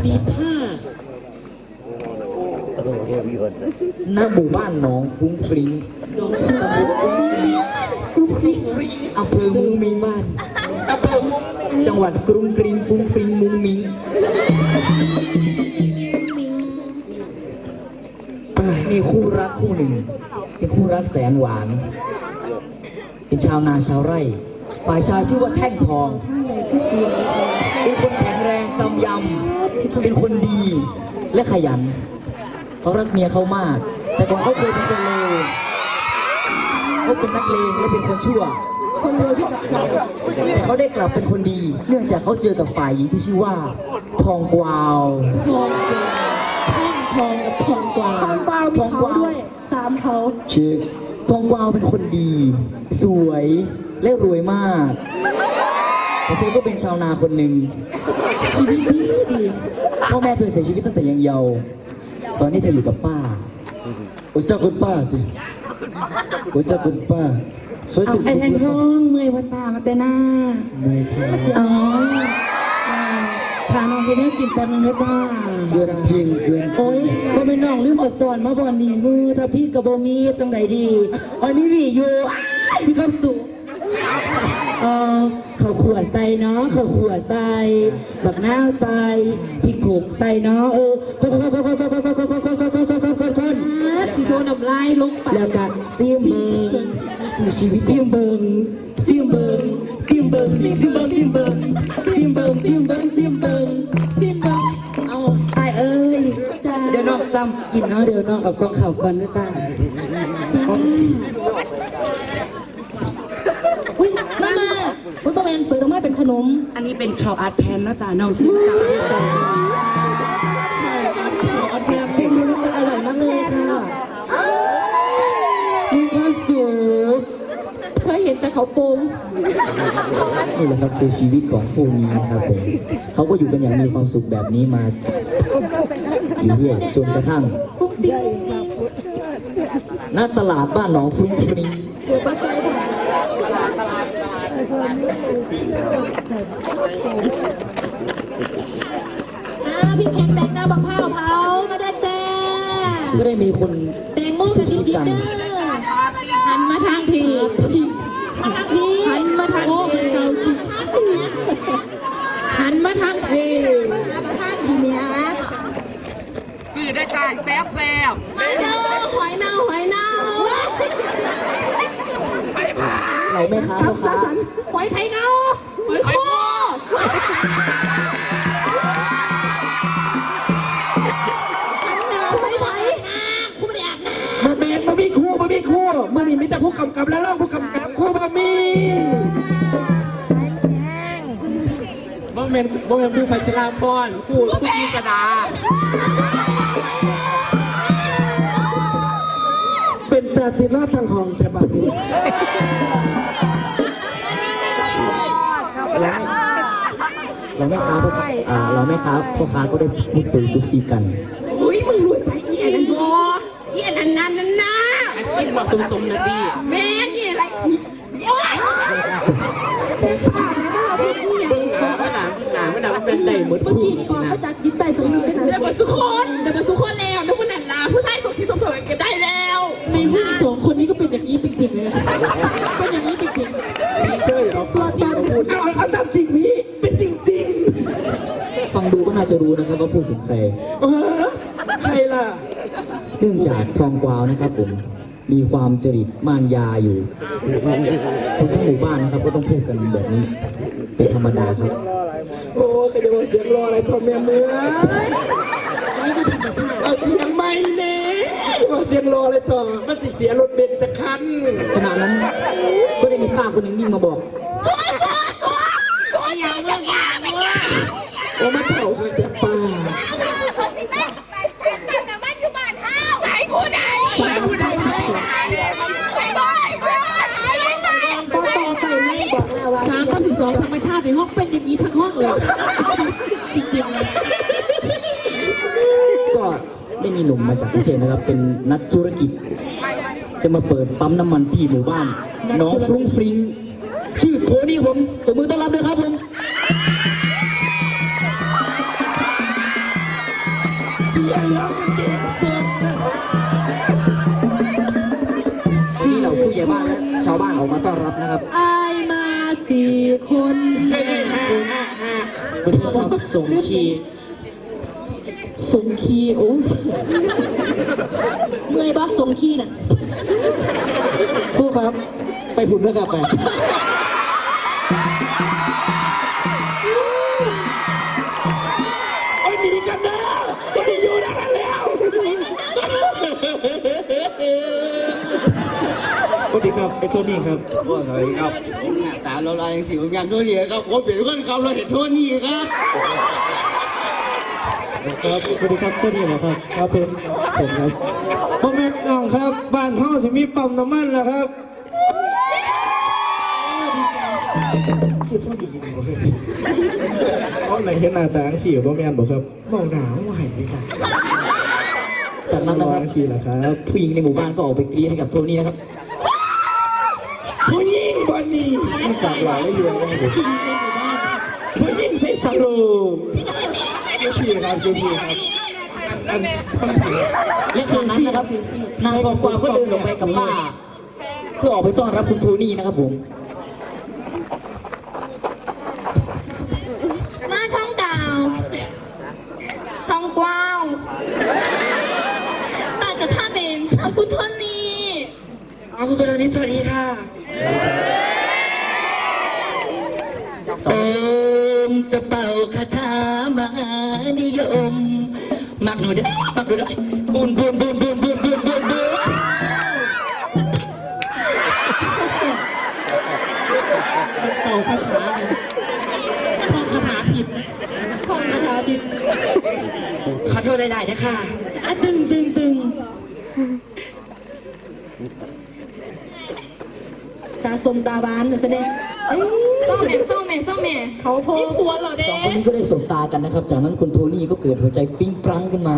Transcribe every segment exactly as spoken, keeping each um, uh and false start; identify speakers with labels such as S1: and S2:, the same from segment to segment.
S1: มีผ้าณหมู่บ้านหนองฟุ้งฟริ้งตำบลฟุ้งฟริ้งอำเภอมุงมิงบ้านอำเภอจังหวัดกรุงกรีนฟุ้งฟริ้งมุงมิงมีคู่รักคู่หนึ่งเป็นคู่รักแสนหวานเป็นชาวนาชาวไร่ฝ่ายชายชื่อว่าแท่งทองเป็นคนแข็งแรงกำยำเป็นคนดีและขยันเขารักเมียเขามากแต่ก่อนเขาเคยเป็นคนเลวเขาเป็นนักเลงและเป็นคนชั่วคนเลวที่กับใจแต่เขาได้กลับเป็นคนดีเนื่องจากเขาเจอกับฝ่ายหญิงที่ชื่อว่าทองกวาว
S2: ทองแท่งทองกับทองกวาวทองกวาวมีเขาด้วยสามเขา
S1: ชื่อทองกวาวเป็นคนดีสวยและรวยมากแต่เธอก็เป็นชาวนาคนหนึ่งชีวิตดีดีพ่อแม่เธอเสียชีวิตตั้งแต่ยังเยาว์ตอนนี้เธออยู่กับป้า
S3: โอ้เจ้าคุณป้าดิโอ้เจ้าคุณป้าสวยจัง
S2: ไอ้แทนทองเมื่อยวัตามาแต่หน้า
S3: เมื่อยค่ะ
S2: อ๋อพาน้องไปได้กินแป๊บนึงนะจ้า
S3: เกินจริงเกิน
S2: โอ้ยก็เป็นน้องลืมอดสอนมาบ่อนนี่มือถ้าพี่กับโบมีจังใดดีอันนี้วีอยู่พี่ก็สุกเออเขาขวดใส่เนาะเขาขวดใส่บักหน้าใส่พี่ขมใส่เนาะเออคนคนคนคนคนคนคนคนคนคนคนคนคนที่โทนำลายลงไปแล้วก็ซิมเบิงมีชีวิตซิมเบิงซิมเบิงซิมเบิงซิมเบิงซิมเบิงซิมเบิงซิมเบิงซิมเบิงซิมเบิงเอาตายเอ้ยเดี๋ยวน้องจำกินเนาะเดี๋ยวน้องเอากล้องข่าวก่อนนะจ้าอุ้ยมามาผมต้องเป็นเปิดออกมาเป็นขนมอันนี้เป็นข้าวอัดแผ่นนะจ้าน้องซื้อจ้าข้าวอัดแผ่นชิมดูแล้วอร่อยมากเลยค่ะมีความสุขเคยเห็นแต่เขาโป่ง
S1: นี่แหละครับคือชีวิตของคู่นี้นะครับผมเขาก็อยู่กันอย่างมีความสุขแบบนี้มาอยู่เรื่อยจนกระทั่งหน้าตลาดบ้านหนองฟุ้งฟริ้ง
S2: พี่แขกแต่งหน้าบังเผาเผามาได้แจ้
S1: ก็ได้มีคน
S2: แต่งโม่กันดิบๆเด้อหันมาทางพี่หันมาทางพี่เจ้าจิตหันมาทางพี่ทางพี่เนี้ย
S4: สื่อได้การแซ่บแซ่บ
S2: มาเด้อหอยเน่าหอยเน่า
S1: ไหนแม่ค้าพ่อค้า
S2: หอยไทยเน่าหอยโคใส่ไหมคู่ไม่ได้อาบน้ำ
S3: มาเมนมามีคู่มามีคู่มานี่มีแต่ผู้กำกับแล้วล่ะผู้กำกับคู่มามี
S4: บ่เมนบ่เมนผู้พัชราพรผู้ผู้กีกระดา
S3: เป็นตาติดลอดทางห้องแถบบ้าน
S1: เราไม่ค้าพ่ออ่าเราไม่ค้าพ่อค้าก็ได้พูดคุยซุบซีกัน
S2: อุ้ยมึงรู้ใจเอียนบ่เอียนนั่นนั่นนั่นนะ
S4: กินบอกตรงๆนะพี่
S2: แม่นี่อะไรโอ๊ยเป็นสาวนะเราเป็นผู้ใหญ่
S4: ขนาดขนาดขนาดมันเป็นไหนหมด
S2: เมื่อกี้ก่อนมาจากจิตใจตรงนี้ได้
S4: เดี๋ยวมาสุขคนเดี๋ยวมาสุขคนแล้วนึกว่าหนันลาผู้ชายสุขที่สมบูรณ์เก็บได้แล้ว
S1: ในผู้สองคนนี้ก็เป็นอย่างนี้จริงๆเลยเป็นอย่างนี้จริง
S4: ๆพี่ช่วยเอาตัวจริงมาพูด
S3: เอาเอาตามจริงพี่เป็นจริง
S1: ๆฟังดูก็น่าจะรู้นะครับว่าพูดถึงใคร
S3: เออใครล่ะ
S1: เนื่องจากทองกวาวนะครับผมมีความจริตมารยาอยู่คนทั้งหมู่บ้านนะครับก็ต้องพูดกันแบบนี้เป็นธรรมดาครับ
S3: โอ้ก็จะบอกเสียงรออะไรพ่อแม่เมื่อเอาเสียงไม่เน่บอกเสียงรออะไรต่อมันสิเสียรถเบนซ์จะคัน
S1: ขณะนั้นก็ได้มีป้าคนหนึ่งวิ่งมาบอก
S2: สวยสวยสวยสวยอย่างเรื่องอย่างเรื่อง
S3: โอ้มาเถ่าค่ะแต่ป้า
S2: ใส่ผู้ใดใส่ผู้ใดใส่ผู้ใด
S1: สามข้อสิบสองธรรมชาติในห้องเป็นอย่างนี้ทั้งห้องเลยจริงๆก็ได้มีหนุ่มมาจากกรุงเทพนะครับเป็นนักธุรกิจจะมาเปิดปั๊มน้ำมันที่หมู่บ้านน้องฟรุ้งฟริ้งชื่อโทนี่ผมตบมือต้อนรับด้วยครับผมนี่เราผู้ใหญ่บ้านและชาวบ้านออกมาต้อนรับนะครับ
S2: อายมาสี่คน
S1: คุณพ่อครับส่งคีย์
S2: สงคีโอ้ยเมื่อยบ้าสงคีน่ะ
S3: ครูครับ ไปผุนด้วยครับไปโอ้ยหนีกันนะไม่ได้อยู่ด้านนั้นแล้วสวัสดีครับไอ้โทนี่ครับ
S4: สวัสดีครับผมหน้าตาเราลายอย่างสีเหมือนกันทั่วนี้ครับผมเป็นคนขับเราเห็นทั่วนี้ครับ
S3: ครับสวัสดีครับโทนี่เหรอครับครับเป็นผมครับพ่อแม่น้องครับบ้านพ่อสิมีปั๊มน้ำมันแล้วครับชื่อโทนี่ดีกว่าเฮ้ยเขาไหนเห็นหน้าตาสีกับพ่อแม่บอกครับมองหนาวมาหายไปกัน
S1: จากนั้นนะครับ
S3: สีเหรอครับ
S1: ผู้หญิงในหมู่บ้านก็ออกไปกรี๊ดให้กับโทนี่นะครับ
S3: ผู้หญิงบอลนี่จากหลายเรื่องเลยผู้หญิงใส่สโลงเจ้าพี่ครับเจ้าพี่ครับอันคนผิด
S1: และจากนั้นนะครับนางทองกวาวก็เดินลงไปกับป้าเพื่อออกไปต้อนรับคุณโทนี่นะครับผม
S5: มาท่องดาวท่องกว้าวป้าจะพาเป็นพระพุทธนี
S2: อ๋อคุณเป็นนี้สวัสดีค่ะโอมจะเป่าคาถามหานิยมมักหนูได้มักหนูได้บุญบุญบุญบุญบุญบุญบุญบุญ
S5: เป่าคาถาไงท่องคาถาผิดนะท่องคาถาผิด
S2: ขอโทษหลายๆนะคะอ่ะตึงตึงตึงตาสมตาบานเหมือนกันเลยเอ้ย
S5: เศร้าแม่เศร้าแม่เศร้าแม่เขาโพนี่ผัวเหรอเด้
S1: สองคนนี้ก็ได้สบตากันนะครับ จากนั้นคุณโทนี่ก็เกิดหัวใจปิ๊งปรังขึ้นมา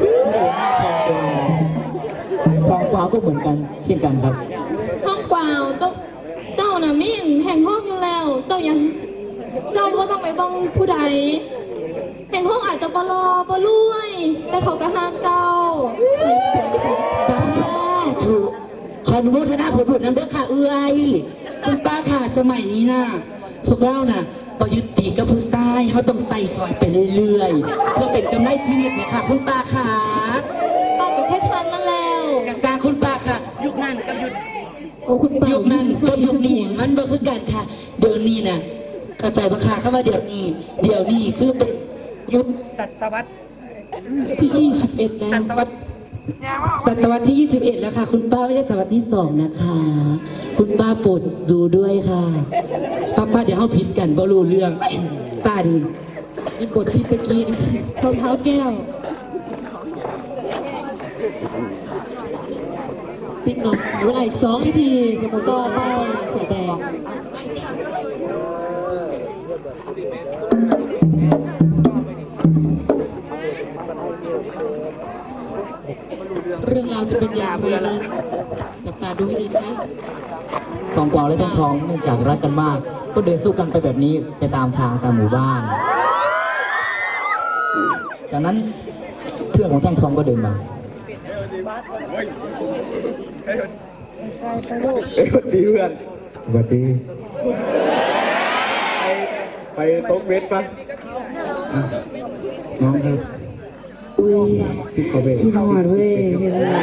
S1: ทองกวาวก็เหมือนกันเช่นกันครับ
S5: ห้องกวาวเจ้าเจ้าน่ะมิ่นแห่งห้องอยู่แล้ว เจ้ายังเจ้าว่าต้องไปบ้องผู้ใดแห่งห้องอาจจะบลอบรวย แต่เขาก็ห้ามเจ้า
S2: ตาถูกขออนุโมทนาผลผลนั้นด้วยค่ะเอื้อยคุณป้าค่ะสมัยนี้น่ะพวกเราน่ะก็ยึดติดกับผู้ชายเขาต้องใส่ซอยไปเรื่อยๆเพื่อเป็นกำไรชีวิตนะคะคุณป้าค่ะ
S5: ป้าก็แค่ทันนั่นแล้ว
S2: กระซาคุณป้าค่ะ ยุคนั้นกับยุค
S5: โอ้คุณป้า
S2: ยุคนั้นกับยุคนี้มันบ่คือกันค่ะ เดี๋ยวนี้น่ะเข้าใจปะค่ะคำว่าเดี๋ยวนี้ เดี๋ยวนี้คือเป็นยุคศตวรรษ
S5: ที่ยี่สิบเอ็ดแล้ว
S2: ศตวรรษศตวรรษที่ยี่สิบเอ็ดแล้วค่ะ คุณป้าไม่ใช่ศตวรรษที่สองนะคะ คุณป้าโปรดดูด้วยค่ะป้าป้าเดี๋ยวเขาผิดกันบ่รู้เรื่องป้าดี
S5: มีบทที่ตะกี้รองเท้าแก้วปิดหน่อยเวลาอีกสองนาทีจะมาต่อป้ายเสียแดงเรื่องราวจะเป็นอย่างไรนั้นจับตาดูให้ดีนะ
S1: ทองกวาวและทองทองเนื่องจากรักกันมาก ก็เดินสู้กันไปแบบนี้ไปตามทางตามหมู่บ้าน จากนั้นเพื่อนของแท่งทองก็เดินมา
S3: เอ้ยสวัสดีเพื่อนสวัสดีไปตกเบ็ดปะอ่ะน้องครับ
S2: อุ้ย
S3: พี่ขอเบ็ด
S2: ขี้หอดเว้ยเห็นอะไร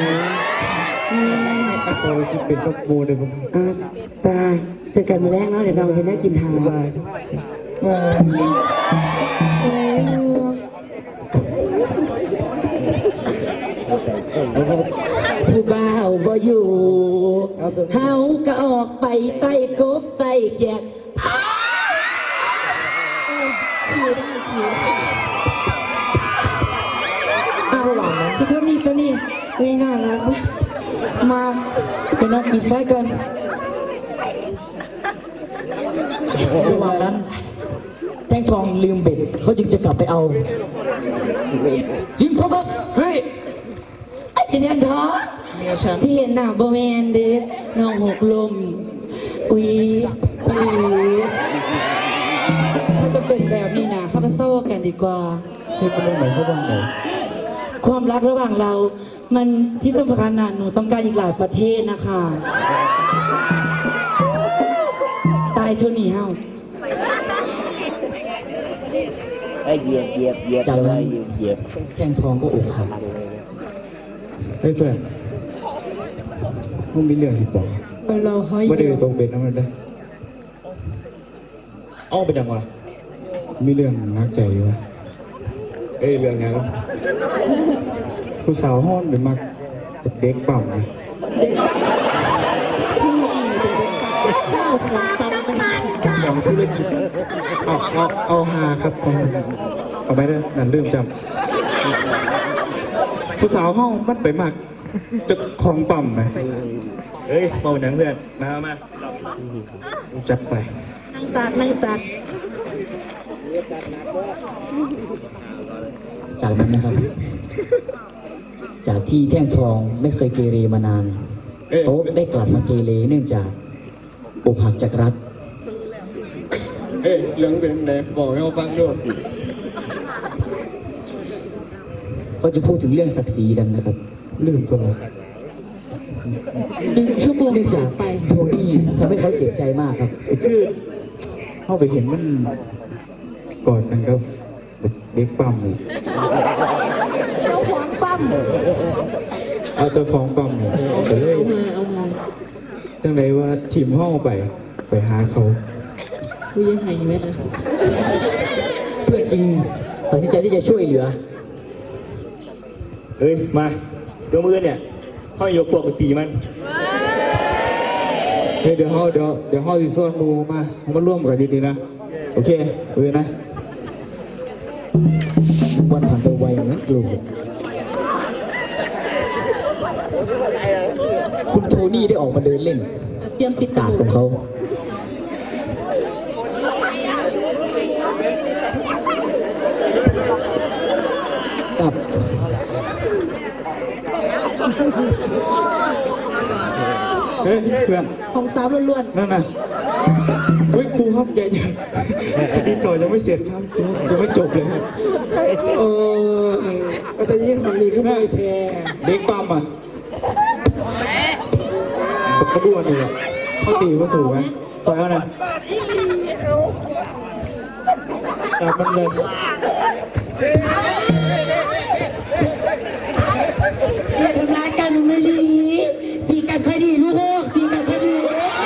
S3: โอ้ยเป็นตกโมเลยผม
S2: อ่ะตาเจอกันมาแรกเนาะเดี๋ยวเราจะได้กินทาน
S3: บายบาย
S2: ผู้บ่าวบ่อยู่เฮาก็ออกไปไต่กบไต่แขกเอาหวังคือเท่านี้เท่านี้ง่ายๆแล้วมาเป็นนักปิดไฟก่อน
S1: ระหว่างนั้นแท่งทองลืมเบ็ดเขาจึงจะกลับไปเอาจริงพ่อครับ
S3: เฮ้ย
S2: ไอ้แทนทอง
S3: เมียฉัน
S2: ที่เห็นหน้าบ่แมนเด้น้องหกลมอุ้ยอุ้ยถ้าจะเป็นแบบนี้นะเข้าไปเศร้ากันดีกว่า
S1: เฮ้ยเขาลงไหนเขาบ้างไหน
S2: ความรักระหว่างเรา มันที่สำคัญน่ะหนูต้องการอีกหลายประเทศนะคะ ตายเท่านี้เฮ้า
S6: ไอ้เหยียบเหยียบเหยียบ
S1: จากนั้น
S6: เหยียบเหยียบ
S1: แท่งทองก็อกหัก
S3: เฮ้ยเพื่อนมึงมีเรื่องที่บอก
S2: เราให้
S3: ว่าเดี๋ยวตรงเป็นน้ำมันได้อ้อไปจังวะมีเรื่องนักใจอยู่วะเอ้ยเรื่องยังผู้สาวห้อนหรือมักเด็กปั่มนะของธุรกิจเอาเอาเอาฮาครับเอาเอาไปเลยนั่นเรื่องจำผู้สาวห้องมันไปมักจะของปั่มไหมเฮ้ยเมาหนังเพื่อนมามาจัดไป
S2: นั่งตักนั่งตัก
S1: จากนั้นนะครับ จากที่แท่งทองไม่เคยเกเรมานาน
S3: เอ๊ะ
S1: โต๊ะได้กลับมาเกเรเนื่องจากอกหักจากรัก
S3: เอ้ยเรื่องเป็นไหนบอกให้เขาฟังด้วย
S1: ก็จะพูดถึงเรื่องศักดิ์ศรีกันนะครับ
S3: ลืมตัวเรา
S2: หนึ่งชั่วโมง
S1: เนื่องจาก
S2: ไป
S1: โทนี่ทำให้เขาเจ็บใจมากครับ
S3: คือเข้าไปเห็นมันกอดกันครับเด็กปั๊มเลย
S2: เจ้าของปั๊ม
S3: เอาเจ้าของปั๊มเลยแต่เลย
S2: เอามาเอามา
S3: จังไรว่าทีมห้องไปไปหาเขา
S2: คุยยังไงอยู่ไหมล่ะ
S1: เพื่อนจริงตัดสินใจที่จะช่วยเหลือ
S3: เอ้ยมาตัวมือเนี่ยห้อยยกพวกไปตีมันเฮ้ยเดี๋ยวห้อเดี๋ยวเดี๋ยวห้อสิโซนมูมามาร่วมกันดีๆนะโอเคเอ้ยนะ
S1: วันผ่านไปไวเหมือนกลูดคุณโทนี่ได้ออกมาเดินเล่น
S2: เตรียมปิด
S1: กาดของเขา กับ
S3: เฮ้ยเพื่อน
S2: ของสาวล้วน
S3: นั่นน่ะเฮ้ยครูครับใจเย็นคดีก่อนยังไม่เสร็จครับครูยังไม่จบเลยครับเออก็จะยิ่งฝั่งนี้ขึ้นมาแทเด็กปั๊มอ่ะกระบวนเลยเขาตีเขาสูงไหมซอยเขานะจับมันเลย
S2: ๆอย่าทำร้ายกันไม่ดีสีกันพอดีลูกสีกันพอดี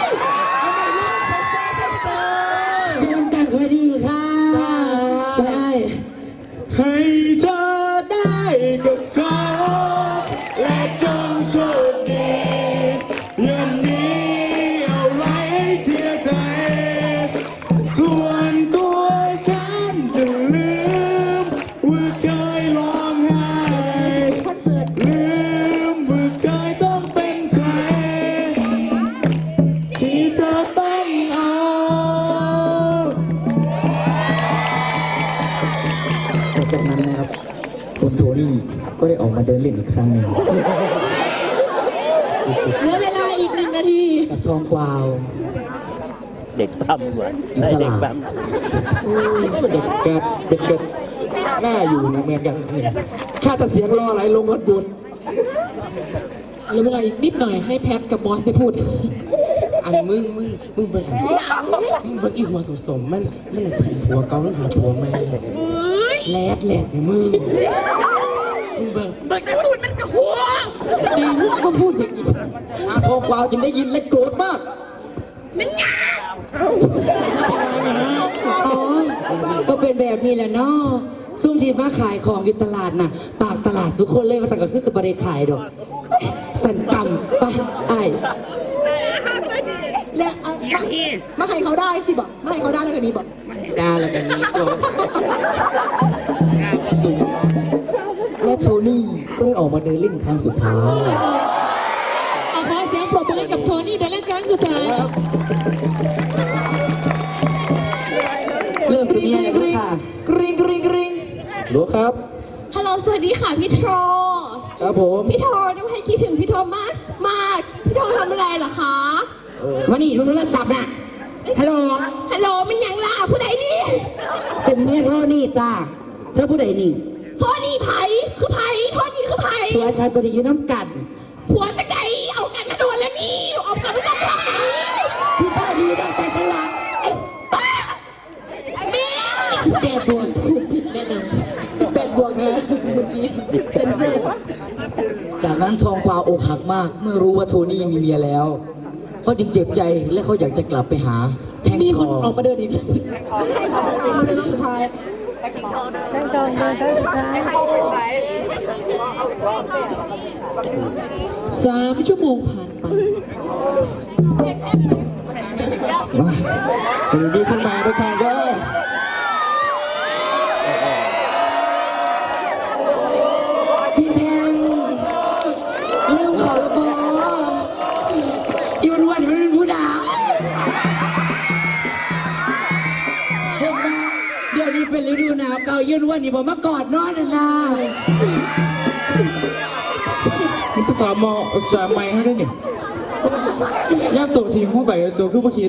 S2: เรียนกันพอดีค่ะได้
S3: ให้เธอได้กับเขาและจงโชคดีอย่ามีอะไรให้เสียใจส่วนตัวฉันจะลืมว่าเคยร้องไห้
S2: คอนเสิร์ต
S3: ลืมว่าเคยต้องเป็นใครที่เธอต้องเอา
S1: หลังจากนั้นนะครับคุณโทนี่ก็ได้ออกมาเดินเล่นอีกครั้งหนึ่ง
S2: เหลือเวลาอีกหนึ่งนาที
S1: กับทองกวาว
S6: เด็กปั๊มว่ะไอ้เด็กปั๊ม
S3: เด็กแกเด็กแกหน้าอยู่นะเหมือนกันเนี่ยค่าแต่เสียงรอไหลลงรถบุญ
S2: เหลือเวลาอีกนิดหน่อยให้แพทกับบอสได้พูด
S7: อันมึงมึงมึงเบิ่งมึงเบิ่งอีหัวสมสมมันมันเลยถีบหัวเกาแล้วหาหัวไม่แลดแหลกให้มึงมึงเบิ่ง
S2: จริงก็พูดอย่างนี้
S1: อาทองกวาวจึงได้ยินและโกรธมาก
S2: อ๋อก็เป็นแบบนี้แหละเนาะซุ่มที่มาขายของอยู่ตลาดน่ะ ปากตลาดสุกคนเลยมาสั่งกับซื้อสปาเดขายดอกสันกำไปไอ้แล้วเอามาให้เขาได้สิบอกมาให้เขาได้แล้วกันนี้บอก
S7: ดาแล้วกันนี้ตัว
S1: และโทนี่ก็ได้ออกมาเดินเล่นครั้งสุดท้าย
S5: เอาขอเสียงปรบมือให้กับโทนี่เดินเล่นครั้งสุดท้าย
S2: เริ่มเป็นยังไงบ้างค่ะ
S1: กริ๊งกริ๊งกริ๊ง
S3: รู้ครับ
S5: ฮัลโหลสวัสดีค่ะพี่โทร
S3: ครับผม
S5: พี่โทรนุ้ให้คิดถึงพี่โทรมากมากพี่โทรทำอะไรเหรอคะ
S2: วันนี้โทรศัพท์น่ะฮัลโหล
S5: ฮัลโหลมันยังล่ะผู้ใดนี่
S2: ฉันเมียโทรนี่จ้าเธอผู้ใดนี่
S5: โทษนี่ไผ่คือไผ่โทษนี่คือไผ่
S2: ตัวชายตัวนี้อยู่น้ำกัด
S5: หัวจะไดเอากันมาโดนแล้วนี่เอากันมาจากไหน
S2: พี่ตาดีตั้งแต่ฉลาด
S5: แม่
S2: สิบแปดบวกถูกผิดแน่นอนสิบแปดบวกนะเมื่อกี้เป็นเศษ
S1: จากนั้นทองกวาวอกหักมากเมื่อรู้ว่าโทนี่มีเมียแล้วเขาจึงเจ็บใจและเขาอยากจะกลับไปหาแท่ง
S2: มี
S1: ท
S2: ค
S1: อน ง
S2: ออกมาเดินอีก สามชั่วโมงผ่านไป
S3: มาถึงดีขึ้นมาด้วยกันก็
S2: พี่แทงเรื่องเขาระบออีวันวันมันเป็นผู้ด่าเห็นไหมเดี๋ยวนี้เป็นฤดูหนาวเก่ายืนวันนี้ผมมากอดนอนนะนะ
S3: มันก็สามมอสามไม้ให้ได้เนี่ยย่ามตัวทีมเข้าไปตัวคือพวกคิด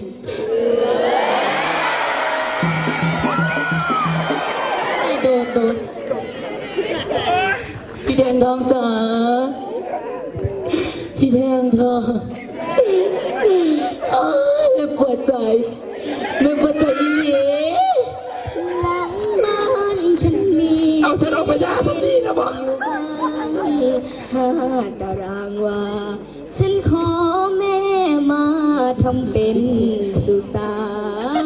S2: โดนโดนพี่แทงทองจ๋าพี่แทงทองอ้ายไม่ปวดใจไม่ปวดใจอีหลี
S5: หลังบ้านฉันมี
S3: เอาฉันออกไปยาสักทีนะบอก
S5: อยู่บ้านห้าตารางวาฉันขอแม่มาทำเป็นสุสาน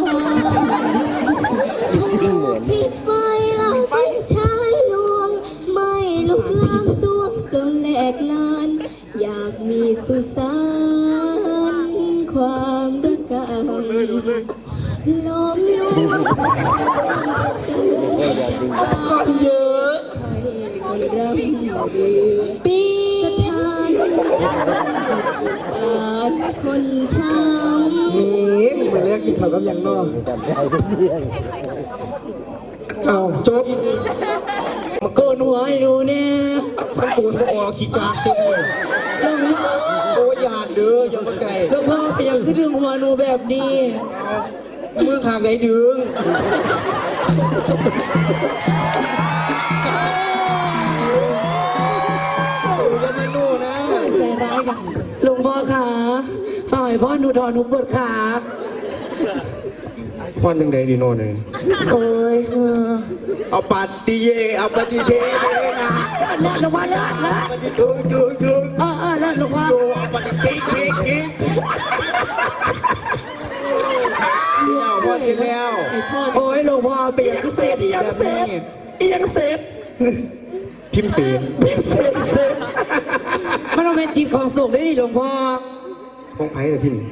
S5: ผิดไฟเราเป็นชายลวง ไม่ลุกลามสวงจนแหลกลาน อยากมีสุสานความรักกันล้อมอยู่
S3: ก่อนเยอะ
S5: ให้ร่ำลือปีสถานสานคนช้ำ
S3: มีเหมือนเรียกกินข้าวกับยังนอกเอาจบ
S2: มาโกนหัวให้ดูเนี่ย
S3: มันปูนออกขี้กากเต็มเลย
S2: หลวงพ่อ
S3: โอ้ยหยาดเด้ออย่ามาไกล
S2: หลวงพ่อไปยังที่ดึงหัวหนูแบบนี้
S3: มือขางไหนดึงอย่ามาโน่นะ
S2: ใส่ร้ายกันหลวงพ่อขาฝ่ายพ่อหนูถอนหนูปวดขา
S3: พอนหนึ่งใดดีโน่เลย
S2: โอ้ยเออ
S3: เอาปัดตีเยเอาปัดตีเทเลยนะ
S2: เลิศหลวงพ่อเลิศเลิศ
S3: ปัดตีถึงถึงถึง
S2: เออเออเลิศหลวงพ่อ
S3: โยเอาปัดตีคิกคิกคิกแล้วพอกินแล้ว
S2: โอ้ยหลวงพ่อไปยังพิเศษ
S3: อี
S2: แบ
S3: ยัง
S2: บ
S3: เสร็
S2: นี้
S3: จอียังเสร็จพิมพ์เสร็จพิมพ์เสร็จเสร็จ
S2: มันต้องเป็นจิตของสุขได้ดิหลวงพ่อ
S3: ของไผ่แต่ที่นี่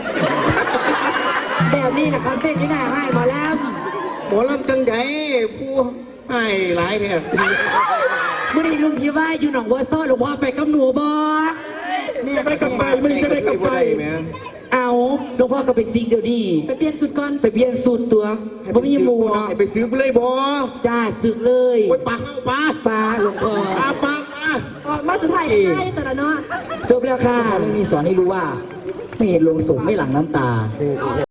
S2: แบบนี้นะครับเต้นที่หน้าให้หมอแล้ว
S3: หมอลำจังใดผู้ให้หลายเนี่ย
S2: เมื่อนี้ลุงพี่ว่าอยู่หนองบัวซ้อหลวงพ่อไปกับหนูบอ
S3: นี่ได้กลับไปไม่ได้กลับไปแม่
S2: เอาหลวงพ่อก็ไปซิงเดี๋ยวดีไปเปลี่ยนสุดก่อนไปเปลี่ยนสุดตัวเพราะมีหมูเนาะ
S3: ให้ไปซื้อกูเลยบอ
S2: จ้าสึกเลย
S3: โอ้ยปากเข้าปาก
S2: ปลาหลวงพ่อ
S3: ปากปากมา
S2: ออกมาสุดท้ายได้แต่ละเนาะจบแล้วค่ะ
S1: เขาไม่มีสอนให้รู้ว่า ไม่เห็นลงศพไม่หลั่งน้ำตา